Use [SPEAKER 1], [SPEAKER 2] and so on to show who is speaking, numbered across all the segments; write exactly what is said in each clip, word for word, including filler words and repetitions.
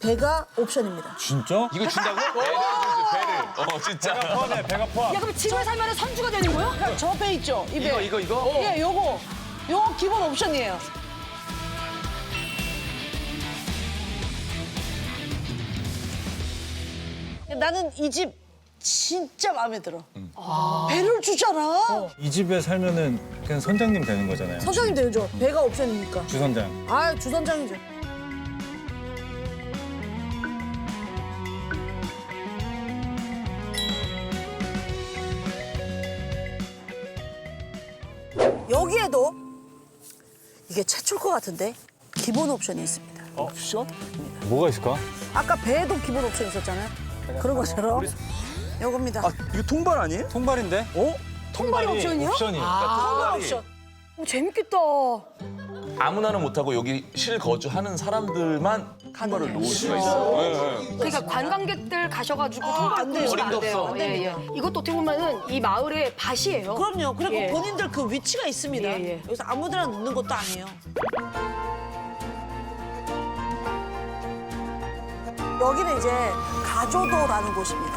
[SPEAKER 1] 배가 옵션입니다.
[SPEAKER 2] 진짜?
[SPEAKER 3] 이거 준다고? 배를 배를. 어 진짜.
[SPEAKER 2] 배가 포함해, 배가 포함.
[SPEAKER 4] 야, 그럼 집을 살면 선주가 되는 거야?
[SPEAKER 1] 저 배 있죠? 이 배.
[SPEAKER 3] 이거 이거 이거?
[SPEAKER 1] 예, 요거. 요거 기본 옵션이에요. 나는 이 집 진짜 마음에 들어. 배를 주잖아.
[SPEAKER 2] 이 집에 살면은 그냥 선장님 되는 거잖아요.
[SPEAKER 1] 선장님 되죠. 배가 옵션이니까.
[SPEAKER 2] 주선장.
[SPEAKER 1] 아, 주선장이죠. 여기에도 이게 최초일 것 같은데 기본 옵션이 있습니다.
[SPEAKER 3] 옵션?
[SPEAKER 2] 뭐가 있을까?
[SPEAKER 1] 아까 배에도 기본 옵션 있었잖아요. 그런 것처럼 요겁니다.
[SPEAKER 5] 아, 이거 통발 아니에요?
[SPEAKER 2] 통발인데? 어?
[SPEAKER 4] 통발이 옵션이요?
[SPEAKER 2] 옵션이.
[SPEAKER 1] 아, 옵션.
[SPEAKER 4] 오, 재밌겠다.
[SPEAKER 3] 아무나는 못하고 여기 실거주하는 사람들만 통발을 놓을 수가 있어. 네, 네.
[SPEAKER 4] 그러니까 관광객들 가셔가지고 통발
[SPEAKER 1] 안 돼요.
[SPEAKER 4] 놓으시면 안
[SPEAKER 3] 어림도
[SPEAKER 4] 돼요.
[SPEAKER 3] 없어.
[SPEAKER 4] 예, 예. 이것도 어떻게 보면은 이 마을의 밭이에요.
[SPEAKER 1] 그럼요. 그리고
[SPEAKER 4] 예.
[SPEAKER 1] 본인들 그 위치가 있습니다.
[SPEAKER 4] 예, 예.
[SPEAKER 1] 여기서 아무데나 놓는 것도 아니에요. 여기는 이제 가조도라는 곳입니다.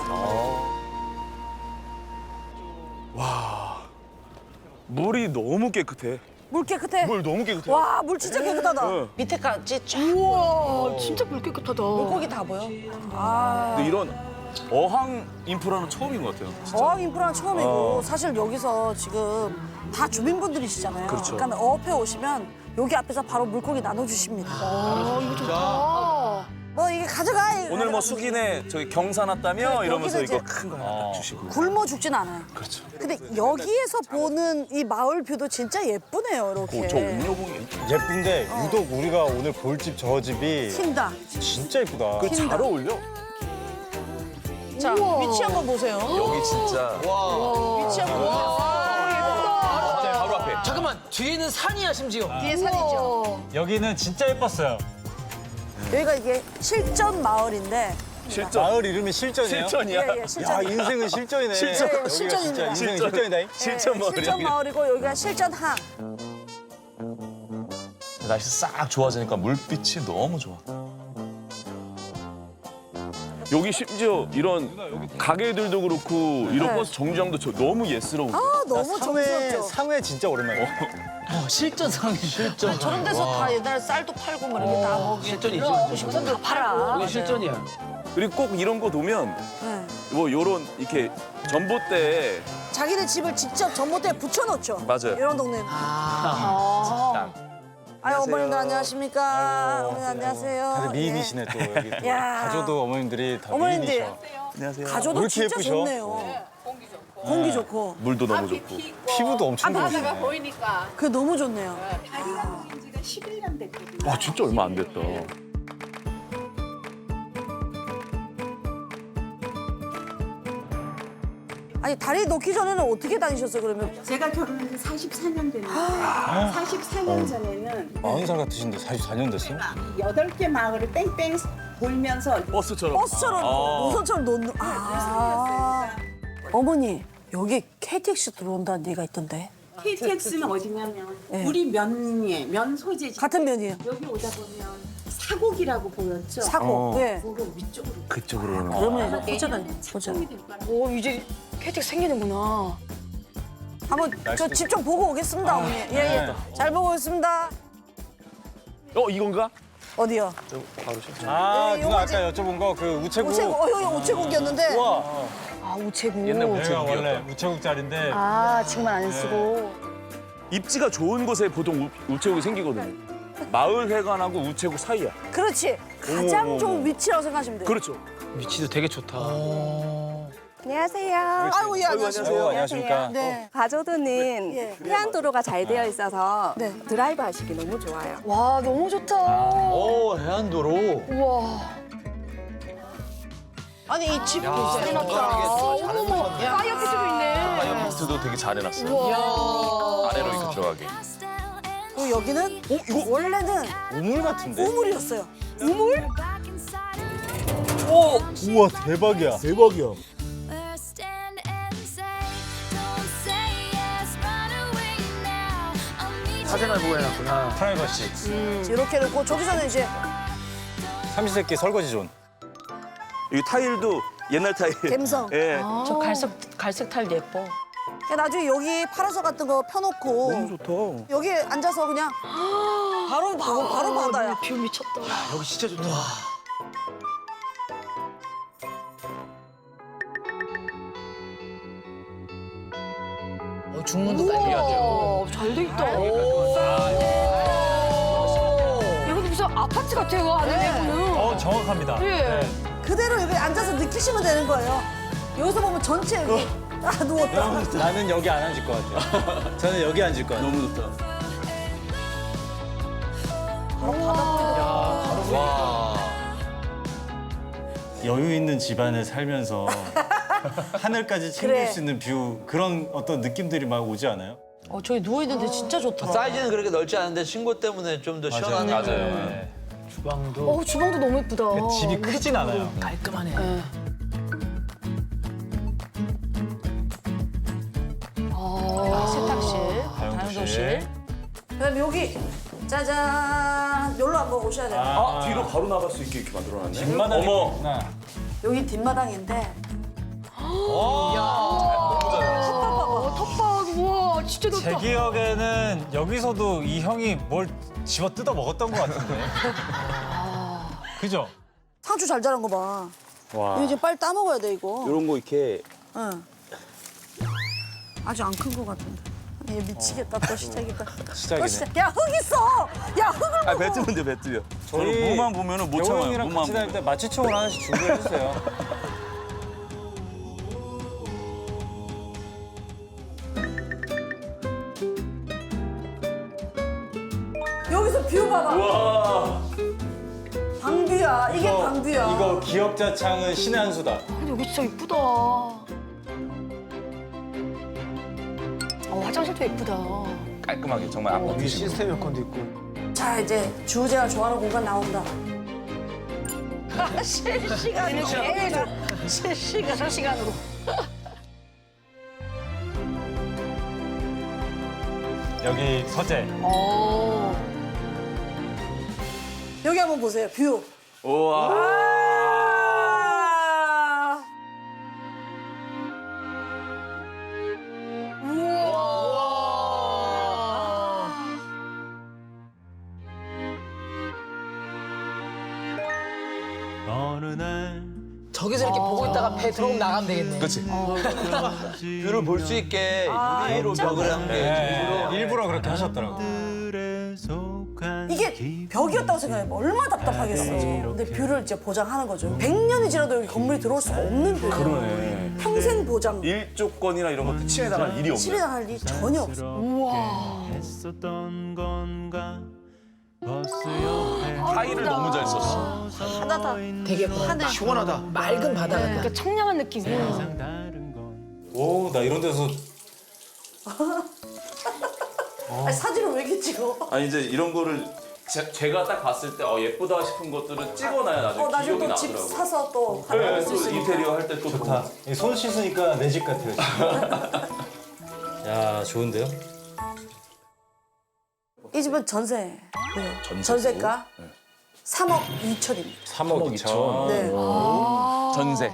[SPEAKER 5] 물이 너무 깨끗해.
[SPEAKER 1] 물 깨끗해.
[SPEAKER 5] 물 너무 깨끗해.
[SPEAKER 1] 와, 물 진짜 깨끗하다.
[SPEAKER 5] 네.
[SPEAKER 1] 밑에까지 쫙
[SPEAKER 4] 우와, 진짜 물 깨끗하다.
[SPEAKER 1] 물고기 다 보여. 아,
[SPEAKER 5] 근데 이런 어항 인프라는 처음인 것 같아요.
[SPEAKER 1] 어항 인프라는 처음이고
[SPEAKER 5] 어.
[SPEAKER 1] 사실 여기서 지금 다 주민분들이시잖아요.
[SPEAKER 5] 그렇죠.
[SPEAKER 1] 그러니까 어업해 오시면 여기 앞에서 바로 물고기 나눠주십니다.
[SPEAKER 4] 아, 이거 좋다.
[SPEAKER 1] 뭐 이게 가져가. 이거
[SPEAKER 5] 오늘 뭐
[SPEAKER 1] 가져가.
[SPEAKER 5] 수기네 저기 경사 났다며
[SPEAKER 1] 네,
[SPEAKER 5] 이러면서
[SPEAKER 1] 여기는
[SPEAKER 5] 이거
[SPEAKER 1] 이제-
[SPEAKER 5] 큰 거 하나 딱 주시고.
[SPEAKER 1] 굶어 죽진 않아요.
[SPEAKER 5] 그렇죠.
[SPEAKER 1] 근데 여기에서 보는 이 마을 뷰도 진짜 예쁘네요, 이렇게.
[SPEAKER 5] 오, 저 옥녀봉이
[SPEAKER 2] 예쁜데 유독 우리가 오늘 볼 집 저 집이
[SPEAKER 1] 튄다.
[SPEAKER 2] 진짜 예쁘다.
[SPEAKER 5] 그 잘 어울려.
[SPEAKER 1] 자, 위치 한번 보세요.
[SPEAKER 3] 여기 진짜.
[SPEAKER 1] 위치 한번 보세요.
[SPEAKER 3] 바로 앞에.
[SPEAKER 6] 잠깐만 뒤에는 산이야 심지어.
[SPEAKER 1] 뒤에 산이죠.
[SPEAKER 2] 여기는 진짜 예뻤어요.
[SPEAKER 1] 여기가 이게 실전 마을인데.
[SPEAKER 5] 실전.
[SPEAKER 2] 마을 이름이 실전이에요?
[SPEAKER 5] 실전이야.
[SPEAKER 1] 예, 예,
[SPEAKER 2] 야,
[SPEAKER 1] 실전.
[SPEAKER 2] 인생은 실전이네.
[SPEAKER 5] 실전.
[SPEAKER 2] 여기가
[SPEAKER 1] 실전입니다.
[SPEAKER 2] 진짜 인생은
[SPEAKER 5] 실전.
[SPEAKER 2] 실전이다.
[SPEAKER 5] 실전
[SPEAKER 1] 예,
[SPEAKER 5] 마을이야.
[SPEAKER 1] 실전 마을이고 여기가 실전항.
[SPEAKER 3] 날씨 싹 좋아지니까 물빛이 너무 좋아.
[SPEAKER 5] 여기 심지어 이런 가게들도 그렇고 이런
[SPEAKER 1] 네.
[SPEAKER 5] 버스 정류장도 저 너무 예스러워.
[SPEAKER 1] 아, 너무
[SPEAKER 2] 상회,
[SPEAKER 1] 정스럽죠.
[SPEAKER 2] 상회 진짜 오랜만이야.
[SPEAKER 6] 어, 실전 상이 실전.
[SPEAKER 1] 저런 데서 다 옛날에 쌀도 팔고 뭐 이렇게 다 먹이.
[SPEAKER 6] 실전이지.
[SPEAKER 1] 식선도 다 팔아.
[SPEAKER 6] 여기 실전이야.
[SPEAKER 5] 그리고 꼭 이런 거 놓으면
[SPEAKER 1] 네.
[SPEAKER 5] 뭐 요런 이렇게 전봇대에
[SPEAKER 1] 자기네 집을 직접 전봇대에 붙여놓죠.
[SPEAKER 5] 맞아요.
[SPEAKER 1] 이런 동네는.
[SPEAKER 4] 아.
[SPEAKER 1] 아유, 어머님들 안녕하십니까. 어머니
[SPEAKER 2] 다들
[SPEAKER 1] 안녕하세요.
[SPEAKER 2] 미인이시네 또 여기. 또.
[SPEAKER 1] 야.
[SPEAKER 2] 가조도 어머님들이 다
[SPEAKER 1] 어머님들.
[SPEAKER 2] 미인이셔.
[SPEAKER 5] 안녕하세요.
[SPEAKER 1] 예.
[SPEAKER 2] 왜
[SPEAKER 1] 가조도
[SPEAKER 2] 이렇게
[SPEAKER 1] 진짜
[SPEAKER 2] 예쁘셔?
[SPEAKER 1] 좋네요. 공기 좋고.
[SPEAKER 5] 물도 너무 좋고.
[SPEAKER 2] 피부도 엄청 좋으시네.
[SPEAKER 7] 보이니까
[SPEAKER 1] 그게 너무 좋네요.
[SPEAKER 7] 다리가 생긴 지가 십일 년 됐거든요.
[SPEAKER 5] 와 진짜 얼마 안 됐다.
[SPEAKER 1] 아니, 다리 놓기 전에는 어떻게 다니셨어요, 그러면?
[SPEAKER 7] 제가 결혼한 지 사십사 년 됐는데 사십사 년 전에는
[SPEAKER 2] 마흔 살 같으신데 사십사 년 됐어?
[SPEAKER 7] 여덟 개 마을을 뺑뺑 돌면서
[SPEAKER 5] 버스처럼.
[SPEAKER 1] 버스처럼, 노선처럼 놓는. 아. 어머니, 여기 케이티엑스 들어온다는 얘기가 있던데.
[SPEAKER 7] 케이티엑스는 어디냐면
[SPEAKER 1] 네.
[SPEAKER 7] 우리 면에 면 소재지.
[SPEAKER 1] 같은 면이에요.
[SPEAKER 7] 여기 오다 보면 사곡이라고 보였죠.
[SPEAKER 1] 사고.
[SPEAKER 5] 어.
[SPEAKER 1] 네.
[SPEAKER 7] 그거 위쪽으로
[SPEAKER 5] 그쪽으로.
[SPEAKER 1] 그러면 이제 보잖아요. 보자.
[SPEAKER 7] 작동이 될 거라.
[SPEAKER 4] 오, 이제 케이티엑스 생기는구나.
[SPEAKER 1] 한번 저 집 좀 보고 오겠습니다, 어머니. 예, 예. 잘 보고 오겠습니다.
[SPEAKER 5] 어 이건가?
[SPEAKER 1] 어디요?
[SPEAKER 2] 아,
[SPEAKER 1] 네,
[SPEAKER 2] 누가
[SPEAKER 1] 요거지.
[SPEAKER 2] 아까 여쭤본 거 그 우체국.
[SPEAKER 1] 우체국, 어, 여기 우체국이었는데.
[SPEAKER 2] 우와.
[SPEAKER 4] 아, 우체국.
[SPEAKER 5] 옛날
[SPEAKER 2] 여기가
[SPEAKER 5] 우체국이었다.
[SPEAKER 2] 원래 우체국 자리인데
[SPEAKER 4] 아, 지금은 안 쓰고.
[SPEAKER 5] 입지가 좋은 곳에 보통 우, 우체국이 생기거든요. 마을 회관하고 우체국 사이야.
[SPEAKER 1] 그렇지. 가장
[SPEAKER 5] 어머,
[SPEAKER 1] 좋은
[SPEAKER 5] 어머.
[SPEAKER 1] 위치라고 생각하시면 돼요.
[SPEAKER 5] 그렇죠.
[SPEAKER 6] 위치도 되게 좋다.
[SPEAKER 8] 안녕하세요.
[SPEAKER 1] 아이고, 예, 안녕하세요.
[SPEAKER 2] 아이고, 안녕하십니까.
[SPEAKER 1] 네.
[SPEAKER 8] 가조도는
[SPEAKER 1] 예.
[SPEAKER 8] 해안도로가 잘 되어 있어서
[SPEAKER 1] 네.
[SPEAKER 8] 드라이브 하시기 너무 좋아요.
[SPEAKER 4] 와, 너무 좋다.
[SPEAKER 6] 오 해안도로.
[SPEAKER 4] 우와.
[SPEAKER 1] 아니, 이 집 보세요.
[SPEAKER 4] 어머머, 파이어피스도 있네.
[SPEAKER 3] 파이어포스트도 되게 잘 해놨어.
[SPEAKER 4] 우와.
[SPEAKER 3] 아래로 이렇게 들어가게.
[SPEAKER 1] 그리고 여기는 원래는
[SPEAKER 2] 우물 같은데?
[SPEAKER 1] 우물이었어요.
[SPEAKER 4] 우물?
[SPEAKER 2] 우와, 대박이야. 대박이야.
[SPEAKER 6] 사진을 보고 해놨구나.
[SPEAKER 2] 프라이버시.
[SPEAKER 1] 이렇게 놓고 저기서는 이제
[SPEAKER 2] 삼시세끼 설거지 존.
[SPEAKER 5] 이 타일도 옛날 타일.
[SPEAKER 1] 갬성.
[SPEAKER 5] 예.
[SPEAKER 4] 저 갈색 갈색 탈 예뻐.
[SPEAKER 1] 그냥 나중에 여기 파라솔 같은 거 펴놓고
[SPEAKER 5] 너무 좋다.
[SPEAKER 1] 여기 앉아서 그냥 바로 바로 바로 바다야.
[SPEAKER 4] 뷰 미쳤다.
[SPEAKER 6] 여기 진짜 좋다. 어, 중문도 깔려야죠.
[SPEAKER 4] 우와, 잘 돼 있다. 이것도 무슨 아파트 같아요, 안에 내부는.
[SPEAKER 6] 어, 정확합니다.
[SPEAKER 4] 예.
[SPEAKER 1] 그대로 여기 앉아서 느끼시면 되는 거예요. 여기서 보면 전체 여기 아 누웠다.
[SPEAKER 2] 나는 여기 안 앉을 것 같아요. 저는 여기 앉을 것 같아요.
[SPEAKER 5] 너무 좋다.
[SPEAKER 2] 와. 여유 있는 집안에 살면서 하늘까지 챙길
[SPEAKER 1] 그래.
[SPEAKER 2] 수 있는 뷰 그런 어떤 느낌들이 막 오지 않아요?
[SPEAKER 1] 어 저기 누워 있는데 진짜 좋더라.
[SPEAKER 6] 사이즈는 그렇게 넓지 않은데 친구 때문에 좀 더 시원하네.
[SPEAKER 3] 맞아요.
[SPEAKER 6] 네. 주방도
[SPEAKER 4] 어, 주방도 너무 예쁘다.
[SPEAKER 6] 집이 크진 않아요. 깔끔하네.
[SPEAKER 4] 아, 세탁실,
[SPEAKER 2] 다용도실.
[SPEAKER 1] 그다음 여기 짜잔 여기로 한번 오셔야 돼요.
[SPEAKER 5] 아, 뒤로 바로 나갈 수 있게 이렇게 만들어놨네.
[SPEAKER 2] 뒷마당이
[SPEAKER 5] 어머.
[SPEAKER 2] 있구나.
[SPEAKER 1] 여기 뒷마당인데
[SPEAKER 4] 어, 텃밭, 우와, 진짜
[SPEAKER 9] 제
[SPEAKER 4] 좋다.
[SPEAKER 9] 기억에는 여기서도 이 형이 뭘 집어 뜯어 먹었던 것 같은데. 그죠?
[SPEAKER 1] 상추 잘 자란 거 봐.
[SPEAKER 2] 와.
[SPEAKER 1] 이거 이제 빨리 따 먹어야 돼 이거.
[SPEAKER 5] 이런 거 이렇게
[SPEAKER 1] 응. 아주 안 큰 거 같은데. 얘 미치겠다 또 시작이다.
[SPEAKER 2] 시작이네.
[SPEAKER 1] 또 시작. 야 흙 있어. 야 흙을.
[SPEAKER 5] 아, 뱉으면 돼, 뱉으면.
[SPEAKER 2] 저희
[SPEAKER 5] 저는 무만 보면은 못 참아요.
[SPEAKER 2] 형이랑
[SPEAKER 5] 무만
[SPEAKER 2] 같이 다닐 때
[SPEAKER 5] 보면.
[SPEAKER 2] 마취총을 하나씩 준비해 주세요.
[SPEAKER 1] 여기서 뷰 봐봐.
[SPEAKER 5] 와.
[SPEAKER 1] 방뷰야. 이게
[SPEAKER 2] 이거-
[SPEAKER 1] 방뷰야.
[SPEAKER 2] 이거 기억자창은 신의 한 수다.
[SPEAKER 4] 근데 여기 진짜 예쁘다. 어, 화장실도 예쁘다.
[SPEAKER 3] 깔끔하게 정말 아파트
[SPEAKER 6] 여기
[SPEAKER 3] 식으로.
[SPEAKER 6] 시스템 에어컨도 있고.
[SPEAKER 1] 자 이제 주제가 좋아하는 공간 나온다. 실시간으로 계속 실시간 실시간으로.
[SPEAKER 9] 여기 서재.
[SPEAKER 4] 어.
[SPEAKER 1] 여기 한번 보세요. 뷰.
[SPEAKER 5] 우와.
[SPEAKER 1] 아.
[SPEAKER 6] 저기서 이렇게 보고 있다가 배 들어오면 나가면 되겠네.
[SPEAKER 3] 그렇지.
[SPEAKER 6] 뷰를 볼 수 있게
[SPEAKER 1] 아,
[SPEAKER 6] 유리로 벽을 한 게.
[SPEAKER 9] 네, 일부러 그렇게 하셨더라고.
[SPEAKER 1] 이게 벽이었다고 생각해. 얼마나 답답하겠어. 근데 뷰를 이제 보장하는 거죠. 백 년이 지나도 여기 건물이 들어올 수가 없는 뷰예요.
[SPEAKER 5] 그러네.
[SPEAKER 1] 평생 보장.
[SPEAKER 5] 일조건이나 이런 것도 침해당할 일이 없네.
[SPEAKER 1] 실에 당할 일 전혀 없어.
[SPEAKER 3] 타일을 너무 잘 썼어.
[SPEAKER 1] 하나다.
[SPEAKER 6] 되게 하늘 시원하다. 맑은 바다 같다.
[SPEAKER 4] 그러니까 청량한 느낌이야.
[SPEAKER 2] 오, 나 이런 데서
[SPEAKER 1] 아니, 사진을 왜 이렇게 찍어?
[SPEAKER 5] 아니 이제 이런 거를 제, 제가 딱 봤을 때 어, 예쁘다 싶은 것들은 찍어놔야 나중에
[SPEAKER 1] 어, 나중에
[SPEAKER 5] 기억이
[SPEAKER 1] 또 집
[SPEAKER 5] 나더라고.
[SPEAKER 1] 사서 또
[SPEAKER 5] 네,
[SPEAKER 1] 하나
[SPEAKER 5] 또
[SPEAKER 1] 쓸 수 있는.
[SPEAKER 5] 인테리어 할 때 또
[SPEAKER 2] 좋다. 이손 씻으니까 내 집 같아요. 야, 좋은데요?
[SPEAKER 1] 이 집은 전세. 네. 전세가 삼억 이천입니다.
[SPEAKER 2] 삼억 이천.
[SPEAKER 1] 네.
[SPEAKER 3] 전세.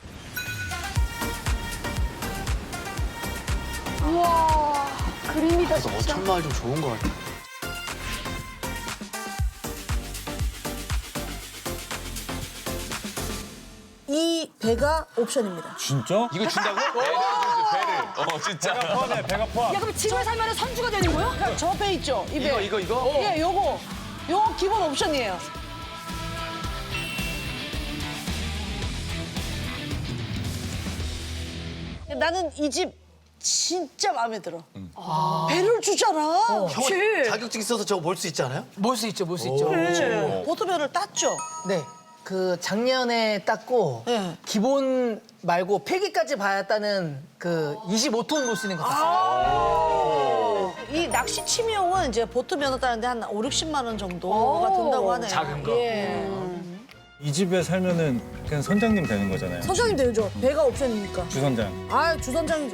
[SPEAKER 4] 우와, 그림이다, 진짜.
[SPEAKER 6] 어천마을 좀 좋은 것 같아.
[SPEAKER 1] 이 배가 옵션입니다.
[SPEAKER 9] 진짜?
[SPEAKER 3] 이거 준다고? 배를 주지, 배를. 어, 진짜.
[SPEAKER 9] 배가 포함해, 배가 포함.
[SPEAKER 4] 야, 그럼 집을 살면 선주가 되는 거야?
[SPEAKER 1] 저 배 있죠? 이 배.
[SPEAKER 6] 이거 이거 이거?
[SPEAKER 1] 예, 요거. 요거 기본 옵션이에요. 나는 이 집 진짜 마음에 들어. 배를 주잖아.
[SPEAKER 6] 형 자격증 있어서 저거 볼 수 있지 않아요?
[SPEAKER 10] 볼 수 있죠, 볼 수 있죠.
[SPEAKER 1] 네. 보트배를 땄죠?
[SPEAKER 10] 네. 그 작년에 땄고
[SPEAKER 1] 네.
[SPEAKER 10] 기본 말고 폐기까지 받았다는 그 이십오 톤 볼 수 있는 거 땄어요.
[SPEAKER 1] 이 낚시 취미용은 이제 보트 면허 따는데 한 오륙십만 원 정도가 든다고 하네요.
[SPEAKER 10] 작은 거.
[SPEAKER 1] 예.
[SPEAKER 2] 이 집에 살면은 그냥 선장님 되는 거잖아요.
[SPEAKER 1] 선장님 되죠. 배가 옵션이니까.
[SPEAKER 2] 주선장.
[SPEAKER 1] 아, 주선장이죠.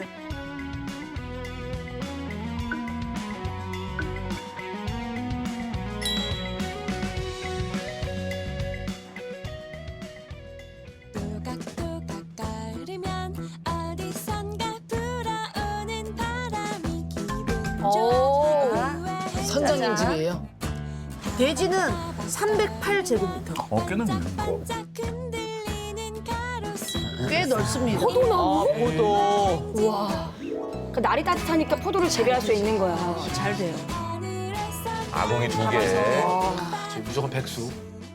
[SPEAKER 10] 선장님집이에요.
[SPEAKER 1] 대지는 삼백팔 제곱미터.
[SPEAKER 5] 어, 꽤 넓네.
[SPEAKER 1] 꽤 넓습니다.
[SPEAKER 4] 포도나무?
[SPEAKER 6] 포도.
[SPEAKER 4] 우와. 그 날이 따뜻하니까 포도를 재배할 수 있는 거야.
[SPEAKER 1] 잘 돼요.
[SPEAKER 3] 아궁이 두 개.
[SPEAKER 6] 저 무조건 백수.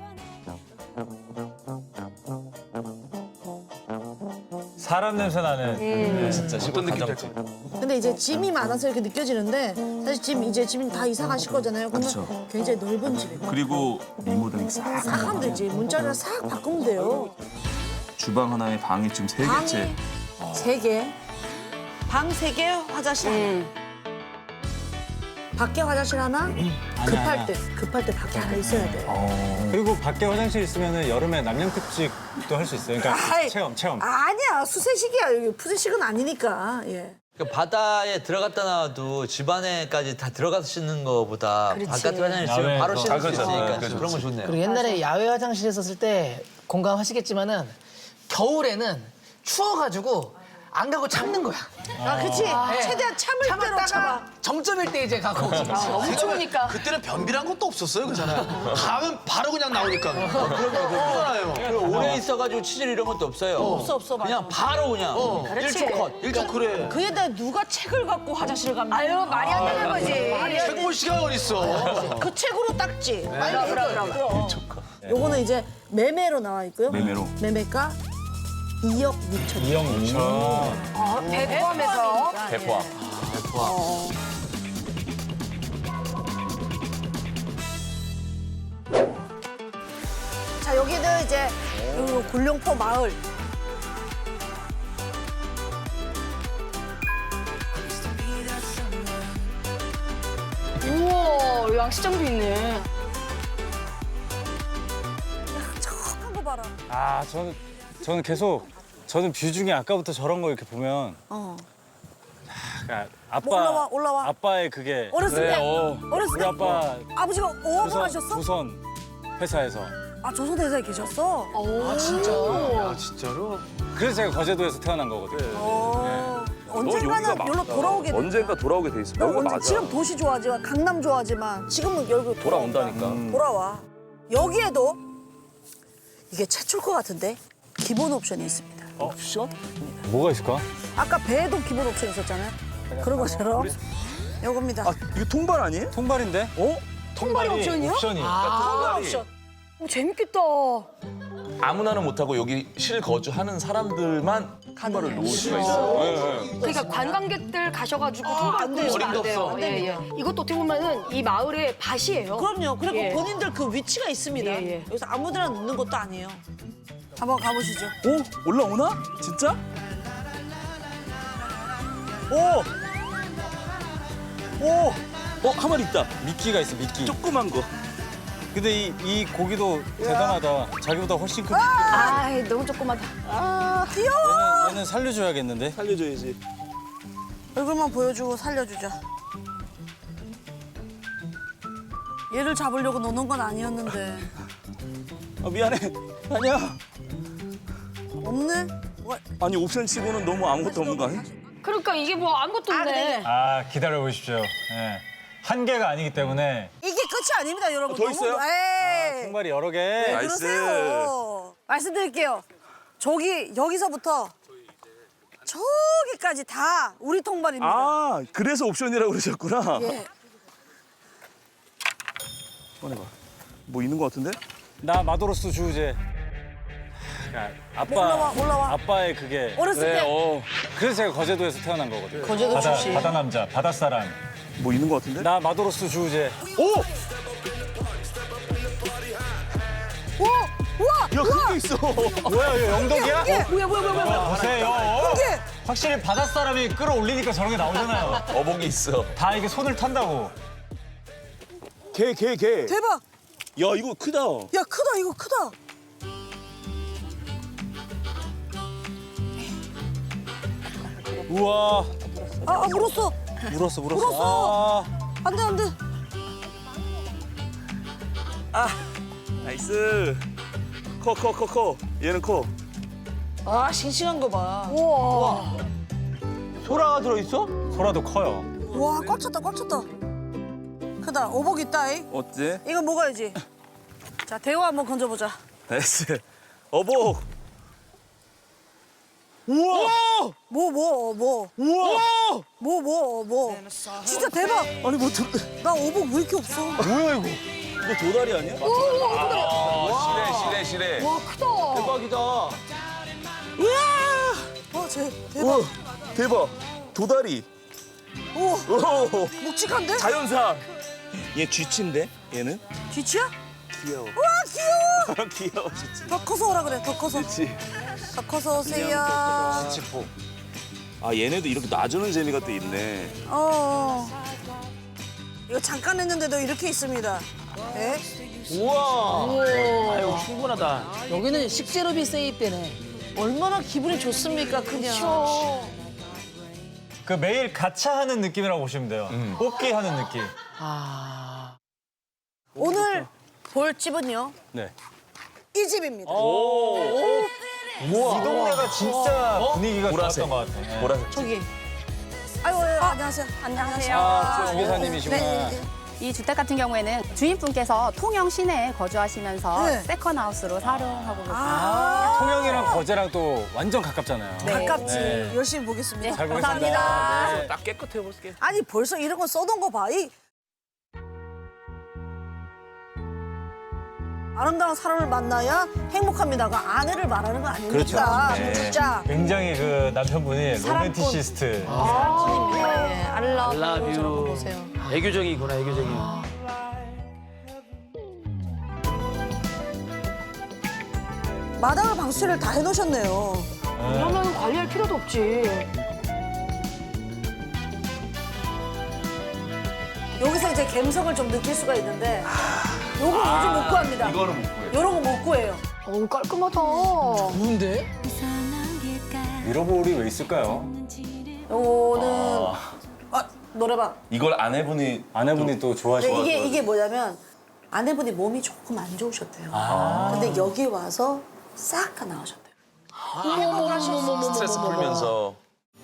[SPEAKER 9] 사람 냄새 나는.
[SPEAKER 4] 음.
[SPEAKER 3] 진짜 시골 가정집.
[SPEAKER 1] 근데 이제 짐이 많아서 이렇게 느껴지는데 사실 짐 이제 짐 다 이사 가실 거잖아요. 그러면 굉장히 넓은 집이에요.
[SPEAKER 5] 그리고 리모델링 싹.
[SPEAKER 1] 싹 하면 되지. 문자리를 싹 바꾸면 돼요.
[SPEAKER 5] 주방 하나에 방이 지금 세 개째.
[SPEAKER 1] 세 개. 방 세 개, 화장실 하나.
[SPEAKER 4] 음.
[SPEAKER 1] 밖에 화장실 하나. 급할 때, 급할 때 밖에 하나 있어야 돼.
[SPEAKER 9] 그리고 밖에 화장실 있으면 여름에 남양특집도 할 수 있어요. 그러니까
[SPEAKER 1] 아이,
[SPEAKER 9] 체험, 체험.
[SPEAKER 1] 아니야, 수세식이야. 여기 푸세식은 아니니까. 예.
[SPEAKER 6] 그 바다에 들어갔다 나와도 집안에까지 다 들어가서 씻는 거보다 바깥에 화장실 있으면
[SPEAKER 9] 야외에서.
[SPEAKER 6] 바로 씻을
[SPEAKER 3] 아,
[SPEAKER 6] 수
[SPEAKER 3] 그렇죠.
[SPEAKER 6] 있으니까
[SPEAKER 3] 그렇죠.
[SPEAKER 6] 그런 건 좋네요.
[SPEAKER 10] 그리고 옛날에 야외 화장실에 썼을 때 공감하시겠지만은 겨울에는 추워가지고 안 가고 참는 거야.
[SPEAKER 1] 아, 그치. 최대한 참을 대로
[SPEAKER 10] 참았다가
[SPEAKER 1] 참아.
[SPEAKER 10] 정점일 때 이제 가고.
[SPEAKER 4] 너무 추우니까.
[SPEAKER 6] 그때는 변비란 것도 없었어요, 그잖아요. 가면 바로 그냥 나오니까. 그럼요, 오래 있어가지고 치질 이런 것도 없어요.
[SPEAKER 1] 없어, 없어, 맞아.
[SPEAKER 6] 그냥 바로 그냥 일초 컷, 일초 그래.
[SPEAKER 1] 그에다 누가 책을 갖고 화장실을 갑니까?
[SPEAKER 4] 아유, 말이 안 되는 거지.
[SPEAKER 6] 책 볼 시간 어딨어.
[SPEAKER 1] 그 책으로 닦지. 빨리
[SPEAKER 4] 그럼,
[SPEAKER 1] 해라.
[SPEAKER 4] 그럼, 그럼.
[SPEAKER 1] 요거는 이제 매매로 나와 있고요.
[SPEAKER 5] 매매로.
[SPEAKER 1] 매매가 이억 육천.
[SPEAKER 9] 이억 육천.
[SPEAKER 4] 아, 배 포함해서.
[SPEAKER 3] 대포함.
[SPEAKER 1] 자, 여기는 이제 요 굴룡포 마을.
[SPEAKER 4] 우와, 양식장도 있네.
[SPEAKER 1] 척한 거 봐라.
[SPEAKER 9] 아, 저는, 저는 계속, 저는 뷰 중에 아까부터 저런 거 이렇게 보면.
[SPEAKER 1] 어.
[SPEAKER 9] 그러니까 아빠,
[SPEAKER 1] 뭐 올라와, 올라와.
[SPEAKER 9] 아빠의 그게.
[SPEAKER 1] 어렸을 때.
[SPEAKER 9] 어.
[SPEAKER 1] 어렸을
[SPEAKER 9] 우리
[SPEAKER 1] 때.
[SPEAKER 9] 아빠
[SPEAKER 1] 아버지가 어업을
[SPEAKER 9] 조선,
[SPEAKER 1] 하셨어?
[SPEAKER 9] 조선 회사에서.
[SPEAKER 1] 아, 조선대사에 계셨어?
[SPEAKER 10] 아 진짜.
[SPEAKER 6] 아, 진짜로?
[SPEAKER 9] 그래서 제가 거제도에서 태어난 거거든요.
[SPEAKER 1] 어. 언젠가는
[SPEAKER 5] 여기가
[SPEAKER 1] 여기로 돌아오게 돼.
[SPEAKER 5] 언젠가 돌아오게 돼 있어.
[SPEAKER 1] 너
[SPEAKER 5] 여기가
[SPEAKER 1] 언제
[SPEAKER 5] 맞아.
[SPEAKER 1] 지금 도시 좋아하지만 강남 좋아하지만 지금은 여기
[SPEAKER 5] 돌아온다니까.
[SPEAKER 1] 음. 돌아와. 여기에도 이게 최초일 것 같은데 기본 옵션이 있습니다.
[SPEAKER 9] 옵션? 뭐가 있을까?
[SPEAKER 1] 아까 배에도 기본 옵션 있었잖아요. 그런 것처럼 요겁니다.
[SPEAKER 5] 아, 이거 통발 아니에요?
[SPEAKER 9] 통발인데? 어?
[SPEAKER 4] 통발이 옵션이요?
[SPEAKER 9] 옵션이.
[SPEAKER 1] 통발 옵션.
[SPEAKER 4] 어, 재밌겠다.
[SPEAKER 3] 아무나는 못하고 여기 실거주하는 사람들만 통발을 놓을 수가 있어요. 네, 네.
[SPEAKER 4] 그러니까 관광객들 가셔가지고 통발
[SPEAKER 1] 안 돼요.
[SPEAKER 4] 끊으시면 안
[SPEAKER 6] 어림도
[SPEAKER 4] 돼요.
[SPEAKER 6] 없어.
[SPEAKER 4] 예, 예. 이것도 어떻게 보면은 이 마을의 밭이에요.
[SPEAKER 1] 그럼요. 그리고
[SPEAKER 4] 예.
[SPEAKER 1] 본인들 그 위치가 있습니다.
[SPEAKER 4] 예, 예.
[SPEAKER 1] 여기서 아무데나 놓는 것도 아니에요. 한번 가보시죠.
[SPEAKER 5] 오, 올라오나? 진짜?
[SPEAKER 9] 오! 오!
[SPEAKER 5] 어, 한 마리 있다.
[SPEAKER 9] 미끼가 있어, 미끼.
[SPEAKER 5] 조그만 거.
[SPEAKER 9] 근데 이, 이 고기도 대단하다. 자기보다 훨씬 큰 미끼.
[SPEAKER 4] 아, 너무 조그마다.
[SPEAKER 1] 아, 귀여워.
[SPEAKER 9] 얘는, 얘는 살려줘야겠는데?
[SPEAKER 5] 살려줘야지.
[SPEAKER 1] 얼굴만 보여주고 살려주자. 얘를 잡으려고 노는 건 아니었는데.
[SPEAKER 5] 아, 미안해. 아니야.
[SPEAKER 1] 없네? 뭐,
[SPEAKER 5] 아니, 옵션 치고는 너무 아무것도 없는 거 아니야?
[SPEAKER 4] 그러니까 이게 뭐 아무것도
[SPEAKER 1] 아,
[SPEAKER 4] 없네.
[SPEAKER 1] 근데
[SPEAKER 9] 아, 기다려보십시오. 예. 한 개가 아니기 때문에.
[SPEAKER 1] 이게 끝이 아닙니다, 여러분.
[SPEAKER 5] 더 있어요?
[SPEAKER 1] 에이.
[SPEAKER 9] 통발이 여러 개.
[SPEAKER 1] 왜
[SPEAKER 5] 나이스.
[SPEAKER 1] 그러세요? 말씀드릴게요. 저기, 여기서부터 저기까지 다 우리 통발입니다.
[SPEAKER 5] 아, 그래서 옵션이라고 그러셨구나.
[SPEAKER 1] 예.
[SPEAKER 5] 꺼내봐. 뭐 있는 거 같은데?
[SPEAKER 9] 나 마도로스 주우재. 아, 아빠,
[SPEAKER 1] 올라와, 올라와.
[SPEAKER 9] 아빠의 그게.
[SPEAKER 1] 어렸을 때
[SPEAKER 5] 어.
[SPEAKER 9] 그래서 제가 거제도에서 태어난 거거든요.
[SPEAKER 1] 거제도
[SPEAKER 9] 바다,
[SPEAKER 1] 출신.
[SPEAKER 9] 바다 남자, 바다 사람.
[SPEAKER 5] 뭐 있는 거 같은데?
[SPEAKER 9] 나 마도로스 주우재.
[SPEAKER 5] 오!
[SPEAKER 1] 우와! 우와!
[SPEAKER 5] 야, 그게 있어.
[SPEAKER 9] 뭐야, 이거 영덕이야?
[SPEAKER 1] 이게 뭐야, 뭐야, 뭐야, 뭐야.
[SPEAKER 9] 보세요.
[SPEAKER 1] 이게
[SPEAKER 9] 확실히 바다 사람이 끌어올리니까 저런 게 나오잖아요.
[SPEAKER 3] 어복이 있어.
[SPEAKER 9] 다 이게 손을 탄다고.
[SPEAKER 5] 개, 개, 개.
[SPEAKER 1] 대박.
[SPEAKER 5] 야, 이거 크다.
[SPEAKER 1] 야, 크다, 이거 크다.
[SPEAKER 9] 우와.
[SPEAKER 1] 아, 아 물었어.
[SPEAKER 9] 물었어, 물었어.
[SPEAKER 1] 물었어.
[SPEAKER 9] 아,
[SPEAKER 1] 안 돼, 안 돼.
[SPEAKER 5] 나이스. 커, 커, 커, 커. 얘는 커.
[SPEAKER 1] 아, 싱싱한 거 봐.
[SPEAKER 4] 우와.
[SPEAKER 6] 소라가 들어있어?
[SPEAKER 9] 소라도 커요.
[SPEAKER 1] 와, 꽉 찼다, 꽉 찼다. 크다. 오복 있다이.
[SPEAKER 5] 어때?
[SPEAKER 1] 이거 먹어야지. 자, 대호 한번 건져보자.
[SPEAKER 5] 나이스. 어복. 우와!
[SPEAKER 1] 뭐, 뭐, 뭐.
[SPEAKER 5] 우와!
[SPEAKER 1] 뭐, 뭐, 뭐. 진짜 대박.
[SPEAKER 5] 아니 뭐 도,
[SPEAKER 1] 나 오복 왜 이렇게 없어?
[SPEAKER 5] 뭐야 이거? 이거 도다리 아니야?
[SPEAKER 3] 아, 시래, 시래, 시래.
[SPEAKER 4] 와 크다.
[SPEAKER 6] 대박이다.
[SPEAKER 1] 와, 쟤 대박.
[SPEAKER 5] 우와 대박. 도다리.
[SPEAKER 1] 오,
[SPEAKER 5] 오
[SPEAKER 1] 묵직한데?
[SPEAKER 5] 자연산. 얘 쥐치인데 얘는?
[SPEAKER 1] 뒤치야?
[SPEAKER 5] 귀여워.
[SPEAKER 1] 와, 귀여워.
[SPEAKER 5] 귀여워 쥐치.
[SPEAKER 1] 더 커서 오라 그래, 더 커서.
[SPEAKER 5] 그렇지.
[SPEAKER 1] 더 커서 오세요.
[SPEAKER 5] 쥐치포. 아 얘네도 이렇게 놔주는 재미가 또 있네.
[SPEAKER 1] 어. 이거 잠깐 했는데도 이렇게 있습니다. 네?
[SPEAKER 6] 우와.
[SPEAKER 10] 우와.
[SPEAKER 6] 아유 충분하다.
[SPEAKER 10] 여기는 식재료비 세입되네.
[SPEAKER 1] 얼마나 기분이 좋습니까, 그냥.
[SPEAKER 9] 그 매일 가차 하는 느낌이라고 보시면 돼요. 뽑기 하는 느낌.
[SPEAKER 10] 아.
[SPEAKER 1] 오늘 볼 집은요,
[SPEAKER 5] 네.
[SPEAKER 1] 이 집입니다.
[SPEAKER 9] 이 동네가 진짜 분위기가
[SPEAKER 5] 보라색.
[SPEAKER 9] 좋았던 것 같아. 네.
[SPEAKER 5] 보라색.
[SPEAKER 1] 저기. 아이고, 아이고, 안녕하세요.
[SPEAKER 4] 안녕하세요.
[SPEAKER 2] 아, 주계사님이시구나.
[SPEAKER 1] 네, 네.
[SPEAKER 11] 이 주택 같은 경우에는 주인분께서 통영 시내에 거주하시면서
[SPEAKER 1] 네.
[SPEAKER 11] 세컨하우스로 사용하고 계세요.
[SPEAKER 1] 아,
[SPEAKER 2] 통영이랑 거제랑 또 완전 가깝잖아요.
[SPEAKER 11] 네.
[SPEAKER 1] 가깝지.
[SPEAKER 2] 네.
[SPEAKER 1] 열심히 보겠습니다.
[SPEAKER 2] 잘 보겠습니다.
[SPEAKER 11] 감사합니다.
[SPEAKER 2] 네.
[SPEAKER 5] 딱 깨끗해 볼게.
[SPEAKER 1] 아니, 벌써 이런 거 써놓은 거 봐. 이 아름다운 사람을 만나야 행복합니다가 아내를 말하는 거 아닙니까?
[SPEAKER 2] 그렇죠.
[SPEAKER 9] 네.
[SPEAKER 1] 진짜.
[SPEAKER 9] 굉장히 그 남편분이
[SPEAKER 1] 사랑꾼.
[SPEAKER 9] 로맨티시스트.
[SPEAKER 4] 아, 예. 알라뷰.
[SPEAKER 6] 알라뷰.
[SPEAKER 4] 저런 거 보세요.
[SPEAKER 6] 애교적이구나 애교적인.
[SPEAKER 1] 마당을 방수를 다 해놓으셨네요.
[SPEAKER 4] 이러면 관리할 필요도 없지.
[SPEAKER 1] 여기서 이제 감성을 좀 느낄 수가 있는데 요거 요즘 못 구합니다.
[SPEAKER 3] 이거는 못 구해요.
[SPEAKER 1] 요런 거 못 구해요.
[SPEAKER 4] 어우 깔끔하다.
[SPEAKER 10] 좋은데?
[SPEAKER 2] 미러볼이 왜 있을까요?
[SPEAKER 1] 요거는 아, 노래방.
[SPEAKER 3] 이걸 아내분이
[SPEAKER 2] 아내분이 또 좋아하시고.
[SPEAKER 1] 근데 이게 이게 뭐냐면 아내분이 몸이 조금 안 좋으셨대요. 근데 여기 와서 싹 다 나으셨대요.
[SPEAKER 3] 스트레스 풀면서.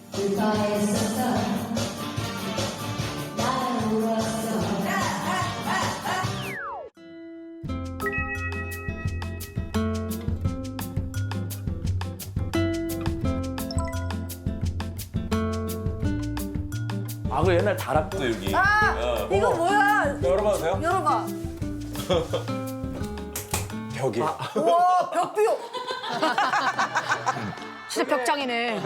[SPEAKER 5] 아 그 옛날 다락도 여기.
[SPEAKER 1] 아, 이거 뭐야?
[SPEAKER 2] 열어봐도 돼요?
[SPEAKER 1] 열어봐.
[SPEAKER 2] 벽이.
[SPEAKER 1] 우와, 벽비요.
[SPEAKER 4] 진짜 벽장이네.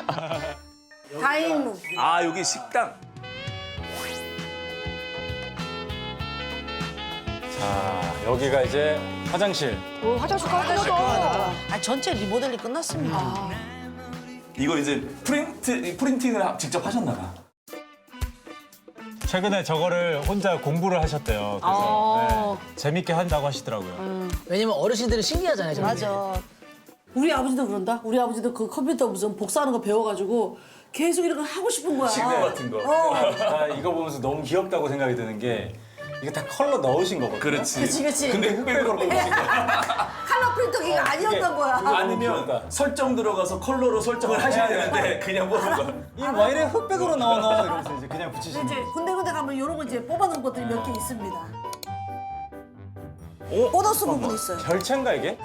[SPEAKER 1] 다인문.
[SPEAKER 5] 아 여기 식당.
[SPEAKER 2] 자, 여기가 이제 화장실.
[SPEAKER 4] 오, 화장실 깔끔하다.
[SPEAKER 1] 아, 전체 리모델링 끝났습니다.
[SPEAKER 3] 이거 이제 프린트, 프린팅을 직접 하셨나 봐.
[SPEAKER 9] 최근에 저거를 혼자 공부를 하셨대요. 그래서
[SPEAKER 4] 어.
[SPEAKER 9] 네, 재밌게 한다고 하시더라고요.
[SPEAKER 10] 왜냐면 어르신들은 신기하잖아요. 저런 게.
[SPEAKER 1] 맞아. 우리 아버지도 그런다. 우리 아버지도 그 컴퓨터 무슨 복사하는 거 배워가지고 계속 이런 거 하고 싶은 거야.
[SPEAKER 3] 식대 같은 거.
[SPEAKER 1] 어.
[SPEAKER 2] 아, 이거 보면서 너무 귀엽다고 생각이 드는 게 이게 다 컬러 넣으신 거거든요.
[SPEAKER 3] 그렇지.
[SPEAKER 1] 그치, 그치.
[SPEAKER 3] 근데 흑백으로 넣으신 거야.
[SPEAKER 1] 칼라 프린터기가 아니었던 거야.
[SPEAKER 3] 아니면 설정 들어가서 컬러로 설정을 하셔야 되는데 그냥 보는 거야.
[SPEAKER 2] 이 와인에 흑백으로 넣어 넣어 이러면서 이제 그냥 붙이시는
[SPEAKER 1] 이제
[SPEAKER 2] 거예요.
[SPEAKER 1] 군데군데 가면 이런 거 이제 뽑아놓은 것들이 몇 개 있습니다.
[SPEAKER 2] 어?
[SPEAKER 1] 보너스 부분 있어요.
[SPEAKER 2] 결체인가 이게?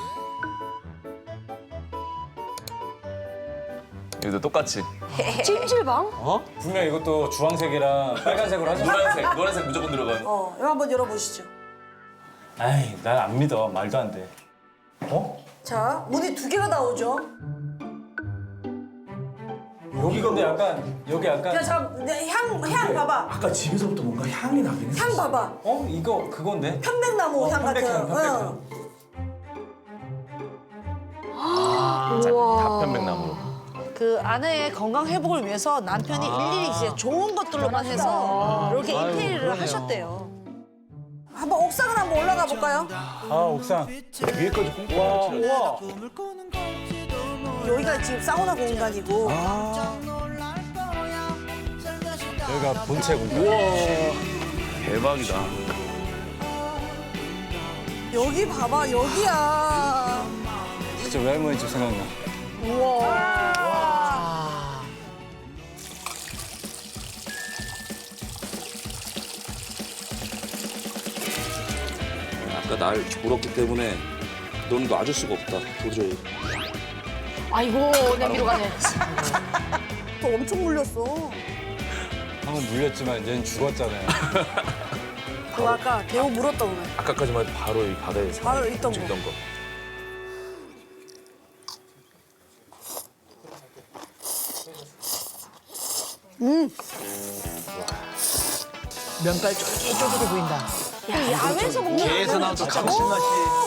[SPEAKER 3] 여기도 똑같이.
[SPEAKER 4] 찜질방?
[SPEAKER 2] 분명 이것도 주황색이랑 빨간색으로 하셨어요.
[SPEAKER 3] 노란색, 노란색 무조건 들어가는.
[SPEAKER 1] 어, 이거 한번 열어보시죠.
[SPEAKER 2] 아이, 난 안 믿어. 말도 안 돼. 어?
[SPEAKER 1] 자, 문이 두 개가 나오죠.
[SPEAKER 2] 여기 근데 약간 여기 약간
[SPEAKER 1] 야, 자, 내 향, 향 봐봐.
[SPEAKER 3] 아까 집에서부터 뭔가 향이 나긴 했어.
[SPEAKER 1] 향 봐봐.
[SPEAKER 2] 어? 이거 그건데?
[SPEAKER 1] 편백나무
[SPEAKER 2] 어,
[SPEAKER 1] 향 같은.
[SPEAKER 2] 편백향, 편백향.
[SPEAKER 1] 어.
[SPEAKER 3] 아, 다 편백나무로.
[SPEAKER 1] 그 아내의 건강 회복을 위해서 남편이 일일이 이제 좋은 것들로만 해서 이렇게 인테리어를 하셨대요. 한번 옥상을 한번 올라가 볼까요?
[SPEAKER 2] 아, 옥상. 위에까지 꼼꼼히 와, 우와.
[SPEAKER 1] 여기가 지금 사우나 공간이고.
[SPEAKER 2] 여기가 본체 공간.
[SPEAKER 5] 대박이다.
[SPEAKER 1] 여기 봐봐, 여기야.
[SPEAKER 2] 진짜 외할머니 집 생각나.
[SPEAKER 1] 우와.
[SPEAKER 5] 그러니까 날 물었기 때문에 넌 놔줄 수가 없다. 도저히.
[SPEAKER 4] 아이고 냄비로 가네.
[SPEAKER 1] 또 엄청 물렸어.
[SPEAKER 2] 방금 물렸지만 얘는 죽었잖아요.
[SPEAKER 1] 그 아까 대우 물었다 오늘.
[SPEAKER 3] 아까까지만 해도 바로 이 바다에
[SPEAKER 1] 바로 있던 거.
[SPEAKER 3] 있던 거.
[SPEAKER 10] 면발 쫄깃쫄깃해 보인다.
[SPEAKER 1] 야외에서 먹는
[SPEAKER 6] 게에서 나온 저 감칠맛이.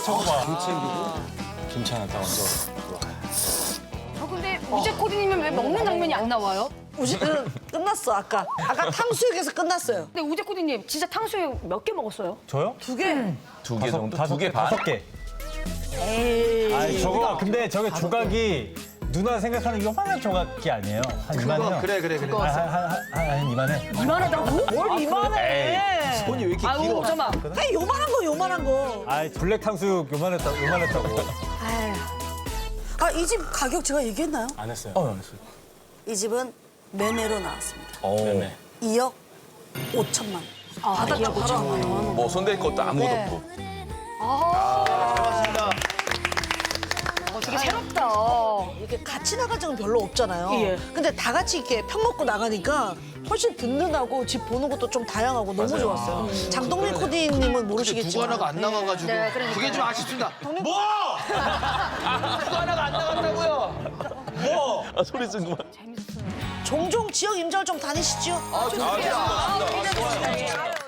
[SPEAKER 2] 괜찮았다 완전.
[SPEAKER 4] 저 근데 우재 코디님은 왜 먹는 장면이 안 나와요?
[SPEAKER 1] 우지는 끝났어 아까. 아까 탕수육에서 끝났어요.
[SPEAKER 4] 근데 우재 코디님 진짜 탕수육 몇 개 먹었어요?
[SPEAKER 9] 저요?
[SPEAKER 1] 두 개.
[SPEAKER 3] 두 개 정도?
[SPEAKER 9] 다섯
[SPEAKER 3] 두 개
[SPEAKER 9] 개,
[SPEAKER 3] 반?
[SPEAKER 9] 다섯 개.
[SPEAKER 1] 에이.
[SPEAKER 9] 아니 저거 근데 저게 조각이 누나 생각하는 요만한 조각이 아니에요. 한 이만해요.
[SPEAKER 6] 그래 그래 그래.
[SPEAKER 9] 한한 이만해.
[SPEAKER 4] 이만하다고?
[SPEAKER 1] 뭘 이만해.
[SPEAKER 6] 손이 왜 이렇게
[SPEAKER 4] 아우
[SPEAKER 6] 길어?
[SPEAKER 4] 잠깐만.
[SPEAKER 1] 아니 요만한 거 요만한 거.
[SPEAKER 9] 아 블랙 탕수육 요만했다 요만했다고.
[SPEAKER 1] 아 이 집 가격 제가 얘기했나요?
[SPEAKER 2] 안 했어요.
[SPEAKER 3] 어, 알았어요.
[SPEAKER 1] 이 집은 매매로 나왔습니다.
[SPEAKER 3] 어.
[SPEAKER 2] 네네.
[SPEAKER 1] 이억 오천만 원.
[SPEAKER 4] 아,
[SPEAKER 1] 받았죠 바로.
[SPEAKER 3] 뭐 손댈 것도 아무것도
[SPEAKER 1] 네.
[SPEAKER 3] 없고.
[SPEAKER 6] 맞습니다.
[SPEAKER 4] 어, 되게 새롭다.
[SPEAKER 1] 이렇게 같이 나갈 적은 별로 없잖아요.
[SPEAKER 4] 예.
[SPEAKER 1] 근데 다 같이 이렇게 편 먹고 나가니까 훨씬 든든하고 집 보는 것도 좀 다양하고 너무 좋았어요. 장동민 코디님은
[SPEAKER 6] 두
[SPEAKER 1] 모르시겠지만
[SPEAKER 6] 하나가 안 나가가지고
[SPEAKER 4] 네, 그러니까요.
[SPEAKER 6] 그게 좀 아쉽습니다. 뭐? 두 하나가 안 나간다고요? 뭐?
[SPEAKER 3] 아, 소리 지르만
[SPEAKER 1] 종종 지역 임장을 좀 다니시죠?
[SPEAKER 6] 아, 좋습니다.
[SPEAKER 4] 아, 굉장히 좋습니다.